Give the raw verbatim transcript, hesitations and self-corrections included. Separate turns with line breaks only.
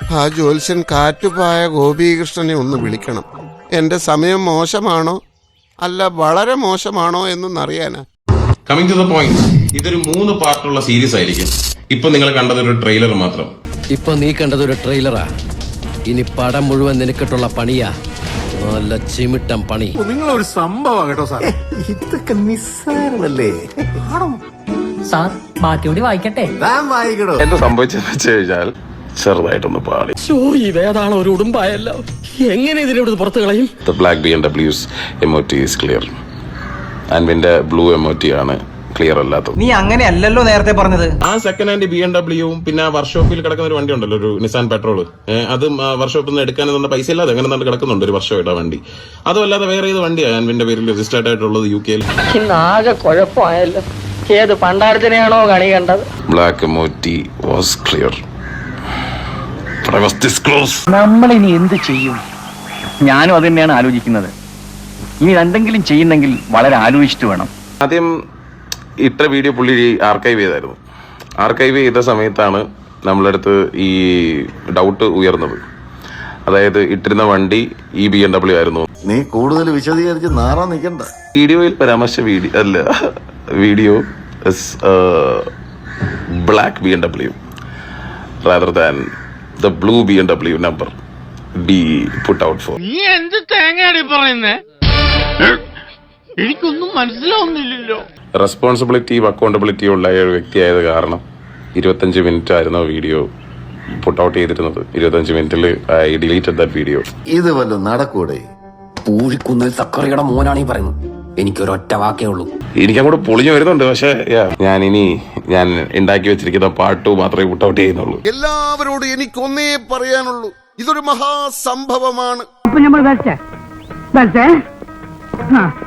ആ ജ്യോത്സ്യൻ കാറ്റുപായ ഗോപീകൃഷ്ണനെ ഒന്ന് വിളിക്കണം. എന്റെ സമയം മോശമാണോ അല്ല വളരെ മോശമാണോ എന്നറിയാനാ.
കമ്മിങ് ടു ദ പോയിന്റ്, ഇതൊരു മൂന്ന് പാർട്ടുള്ള സീരീസ് ആയിരിക്കും. ഇപ്പൊ നിങ്ങൾ കണ്ടത് ഒരു ട്രെയിലർ മാത്രം.
ഇപ്പൊ നീ കണ്ടത് ഒരു ട്രെയിലറാ. ഇനി പടം മുഴുവൻ നിനക്കിട്ടുള്ള പണിയാ. നല്ല ചിമിട്ടം പണി.
നിങ്ങളൊരു സംഭവം കേട്ടോ സാർ. ഇതൊക്കെ നിസ്സാരമല്ലേ
സാർ? ബാക്കി കൂടി വായിക്കട്ടെ.
വായിക്കണോ?
എന്താ സംഭവിച്ചെന്ന് വെച്ച് കഴിഞ്ഞാൽ ചെറുതായിട്ടൊന്ന് പാളി.
ഇതേതാണ് ഒരു ഉടുമ്പായല്ലോ. എങ്ങനെ ഇതിനെ പുറത്തു കളയും?
The black B M W's M O T is clear. ആൻവിന്റെ ബ്ലൂ M O T ആണ് ക്ലിയർ അല്ലാത്തത്.
നീ അങ്ങനെ അല്ലല്ലോ നേരത്തെ പറഞ്ഞത്.
ആ സെക്കൻഡ് ഹാൻഡ് ബി എം ഡബ്ല്യൂവും പിന്നെ വർക്ക്ഷോപ്പിൽ കിടക്കുന്ന ഒരു വണ്ടി ഉണ്ടല്ലോ, ഒരു നിസാൻ പെട്രോൾ. അത് വർക്ക്ഷോപ്പിൽ നിന്ന് എടുക്കാനെന്ന പൈസ ഇല്ലാതെ അങ്ങനെ തന്നെ കിടക്കുന്നുണ്ട് ഒരു വർഷമായിട്ട് ആ വണ്ടി. അതും അല്ലാതെ വേറെ ഏത് വണ്ടിയാണ് ആൻവിന്റെ പേരിൽ രജിസ്റ്റേർഡ് ആയിട്ടുള്ളത് യു കെയിൽ?
ആകെ കുഴപ്പമായല്ലോ. ഏത് പണ്ടാരത്തിനെയാണോ കണി കണ്ടത്?
Black M O T was clear.
നമ്മളിനി എന്ത് ചെയ്യും? ഞാനും അത് തന്നെയാണ് ആലോചിക്കുന്നത്. ഇനി എന്തെങ്കിലും ചെയ്യുന്നെങ്കിൽ വളരെ ആലോചിച്ചിട്ട് വേണം.
ആദ്യം ഇത്ര വീഡിയോ പുള്ളി ആർക്കൈവ് ചെയ്തായിരുന്നു. ആർക്കൈവ് ചെയ്ത സമയത്താണ് നമ്മളടുത്ത് ഈ ഡൗട്ട് ഉയർന്നത്. അതായത് ഇട്ടിരുന്ന വണ്ടി ഈ ബി എം ഡബ്ല്യു ആയിരുന്നു.
നീ കൂടുതൽ വിശദീകരിച്ച് നാറാൻ നിൽക്കണ്ട.
വീഡിയോയിൽ പരാമർശ വീഡിയോ അല്ല, video black B M W rather than the blue B M W number B put out four.
നീ എന്ത് തേങ്ങയാടി പറയുന്നേ? എനിക്കൊന്നും മനസ്സിലാവുന്നില്ലല്ലോ.
റെസ്പോൺസിബിലിറ്റിയും അക്കൗണ്ടബിലിറ്റിയും ഉള്ള ഒരു വ്യക്തിയായത് കാരണം ഇരുപത്തഞ്ച് മിനിറ്റ് ആയിരുന്നു വീഡിയോ പുട്ട് ഔട്ട് ചെയ്തിരുന്നത്. ഇരുപത്തഞ്ച് മിനിറ്റിൽ ഐ ഡിലീറ്റഡ് ദാറ്റ് വീഡിയോ.
ഇത് വല്ലതും നടക്കൂടെ?
പൂഴിക്കുന്നൽ സക്കറിയുടെ മോനാണ് ഈ പറയുന്നത്. എനിക്കൊരൊറ്റ വാക്കേ ഉള്ളൂ.
എനിക്കങ്ങോട്ട് പൊളിഞ്ഞു വരുന്നുണ്ട്. പക്ഷെ ഞാൻ ഇനി ഞാൻ ഉണ്ടാക്കി വെച്ചിരിക്കുന്ന പാർട്ട് ടു മാത്രമേ പുട്ട് ഔട്ട് ചെയ്യുന്നുള്ളൂ.
എല്ലാവരോടും എനിക്കൊന്നേ പറയാനുള്ളൂ, ഇതൊരു മഹാസംഭവമാണ്.
അപ്പൊ നമ്മൾ